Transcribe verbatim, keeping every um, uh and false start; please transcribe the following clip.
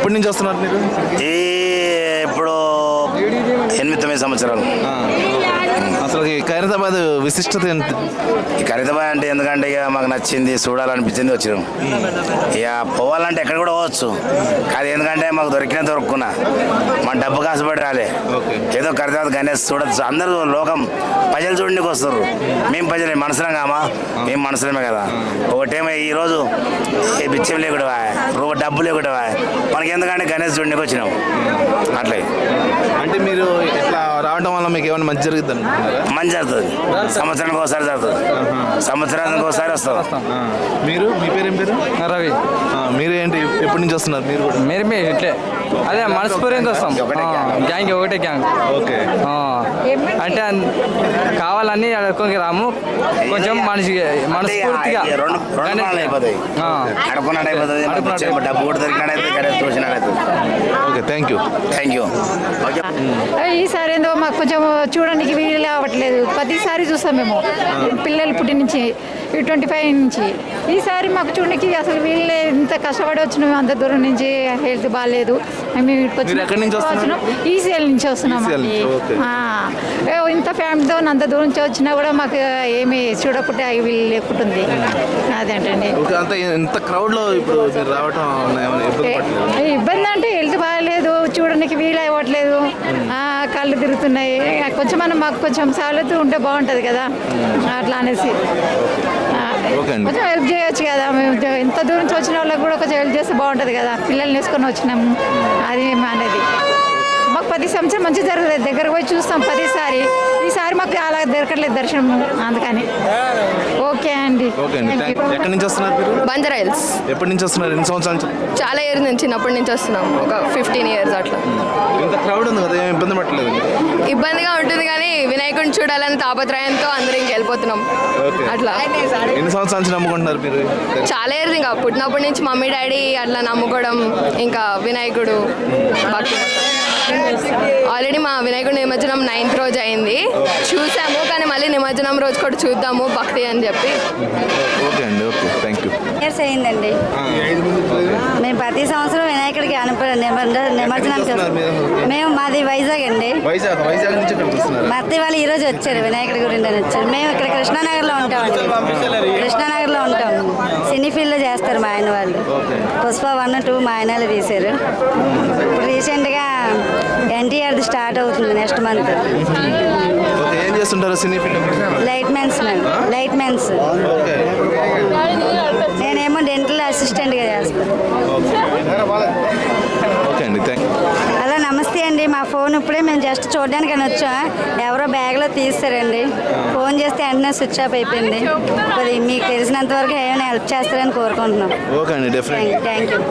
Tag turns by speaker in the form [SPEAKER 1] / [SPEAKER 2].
[SPEAKER 1] ఎప్పటి నుంచి వస్తున్నారు మీరు?
[SPEAKER 2] ఈ ఇప్పుడు ఎనిమిది తొమ్మిది సంవత్సరాలు.
[SPEAKER 1] అసలు ఈ ఖైరతాబాద్ విశిష్టత ఏంటి?
[SPEAKER 2] ఈ ఖరీదాబాద్ అంటే ఎందుకంటే ఇక మాకు నచ్చింది, చూడాలనిపించింది, వచ్చినాం. ఇక పోవాలంటే ఎక్కడ కూడా పోవచ్చు, కాదు ఎందుకంటే మాకు దొరికినా దొరుకున్నా మన డబ్బు కాసుపడి రాలే. ఏదో ఖరీదాబాద్ గణేష్ చూడచ్చు, అందరూ లోకం ప్రజలు చూడడానికి వస్తారు. మేము ప్రజలే, మనసులం కామా, మేము మనసులమే కదా. ఒకటేమో ఈరోజు ఈ బిచ్చం లేకుండా రూప డబ్బు లేకుండా మనకి ఎందుకంటే గణేష్ చూడడానికి వచ్చినాం. అట్లే
[SPEAKER 1] అంటే మీరు ఇట్లా రావడం వల్ల మీకు ఏమైనా మంచి జరుగుతుంది అనుకుంటున్నారా?
[SPEAKER 2] మంచి జరుగుతుంది, సంవత్సరానికి ఒకసారి జరుగుతుంది, సంవత్సరానికి ఒకసారి వస్తాం.
[SPEAKER 1] మీరు మీ పేరు ఏం పేరు?
[SPEAKER 3] రవి.
[SPEAKER 1] మీరు ఏంటి ఎప్పటి నుంచి వస్తున్నారు? మీరు కూడా
[SPEAKER 3] మీరు మీ ఇట్లే అదే మనస్ఫూర్తిగా వస్తాం. గ్యాంగ్ ఒకటే గ్యాంగ్.
[SPEAKER 1] ఓకే.
[SPEAKER 3] అంటే కావాలని అడుక్కోకి రాము, కొంచెం మనిషి మనస్ఫూర్తిగా
[SPEAKER 2] డబ్బు కూడా దొరికినట్టయితే గణేష్ చూసినట్టయితే.
[SPEAKER 1] Okay, thank you.
[SPEAKER 2] Thank you.
[SPEAKER 4] ఈసారి ఏందో మాకు కొంచెం చూడడానికి వీలు అవ్వట్లేదు. ప్రతిసారి చూస్తాం మేము పిల్లలు పుట్టి నుంచి ట్వంటీ ఫైవ్ నుంచి. ఈసారి మాకు చూడడానికి అసలు వీళ్ళే ఇంత కష్టపడి వచ్చినాం, అంత దూరం నుంచి హెల్త్ బాగాలేదు. మేము ఇక్కడికి వచ్చినాం, ఈసీఎల్ నుంచి వస్తున్నాం. ఇంత ఫ్యామిలీతో అంత దూరం నుంచి వచ్చినా కూడా మాకు ఏమి చూడకుంటే వీలు లేకుంటుంది. అదేంటండి
[SPEAKER 1] ఇంత క్రౌడ్ లో ఇప్పుడు రావటం
[SPEAKER 4] ఇబ్బంది అంటే హెల్త్ బాగాలేదు, చూడడానికి వీలు అవ్వట్లేదు, కళ్ళు తిరుగుతున్నాయి. కొంచెం మనం మాకు కొంచెం సవలతు ఉంటే బాగుంటుంది కదా, అట్లా అనేసి కొంచెం హెల్ప్ చేయొచ్చు కదా. మేము ఇంత దూరం నుంచి వచ్చిన వాళ్ళకి కూడా కొంచెం హెల్ప్ చేస్తే బాగుంటుంది కదా. పిల్లల్ని వేసుకొని వచ్చినాము, అది అనేది మాకు ప్రతి సంవత్సరం మంచి జరుగుతుంది. దగ్గరకు పోయి చూస్తాం ప్రతిసారి. ఈసారి మాకు అలా దొరకట్లేదు దర్శనం, అందుకని. ఓకే అండి.
[SPEAKER 1] ఎక్కడి నుంచి వస్తున్నారు మీరు?
[SPEAKER 5] బంజారా హిల్స్.
[SPEAKER 1] ఎప్పటి నుంచి వస్తున్నారు? ఎన్ని సంవత్సరాల నుంచి?
[SPEAKER 5] చాలా ఇయర్స్ నుంచి, చిన్నప్పటి నుంచి వస్తున్నాం, ఒక ఫిఫ్టీన్ ఇయర్స్ అట్లా.
[SPEAKER 1] ఇంత క్రౌడ్ ఉంది కదా, ఏం ఇబ్బంది పట్టలేదు?
[SPEAKER 5] ఇబ్బందిగా ఉంటుంది కానీ వినాయకుడిని చూడాలని తాపత్రయంతో అందరూ ఇంక వెళ్ళిపోతున్నాం అట్లా.
[SPEAKER 1] ఎన్ని సంవత్సరాల నుంచి నమ్ముకుంటున్నారు మీరు?
[SPEAKER 5] చాలా ఇయర్స్, ఇంకా పుట్టినప్పటి నుంచి మమ్మీ డాడీ అట్లా నమ్ముకోవడం, ఇంకా వినాయకుడు భక్తి. ఆల్రెడీ మా వినాయకుడు నిమజ్జనం నైన్త్ రోజు అయింది, చూసాము. కానీ మళ్ళీ నిమజ్జనం రోజు కూడా చూద్దాము భక్తి అని చెప్పి.
[SPEAKER 1] ఓకే అండి, ఓకే, థ్యాంక్ యూ.
[SPEAKER 6] ఇయర్స్ అయిందండి. మేము ప్రతి సంవత్సరం వినాయకుడికి అనుప నిమజ్జనానికి మేము మాది వైజాగ్ అండి. మత్తి వాళ్ళు ఈ రోజు వచ్చారు, వినాయకుడి గురించి అని వచ్చారు. మేము ఇక్కడ కృష్ణానగర్లో ఉంటామండి, కృష్ణానగర్లో ఉంటాం. సినీ ఫీల్డ్లో చేస్తారు మా ఆయన వాళ్ళు. పుష్ప వన్ టూ మా ఆయనలు తీశారు. ఇప్పుడు రీసెంట్గా ఎన్టీఆర్ది స్టార్ట్ అవుతుంది నెక్స్ట్ మంత్.
[SPEAKER 1] ఏం చేస్తుంటారు సినీ ఫీల్డ్?
[SPEAKER 6] లైట్ మెన్స్ మేము, లైట్ మెన్స్. నేనేమో డెంటల్ అసిస్టెంట్గా చేస్తాను.
[SPEAKER 1] ఓకే అండి, థ్యాంక్ యూ.
[SPEAKER 6] హలో, నమస్తే అండి. మా ఫోన్ ఇప్పుడే మేము జస్ట్ చూడడానికి అని వచ్చాం, ఎవరో బ్యాగ్లో తీస్తారండి. ఫోన్ చేస్తే వెంటనే స్విచ్ ఆఫ్ అయిపోయింది. అది మీకు తెలిసినంత వరకు ఏమైనా హెల్ప్ చేస్తారని కోరుకుంటున్నాం.
[SPEAKER 1] ఓకే అండి, డెఫినెట్లీ.
[SPEAKER 6] Thank you.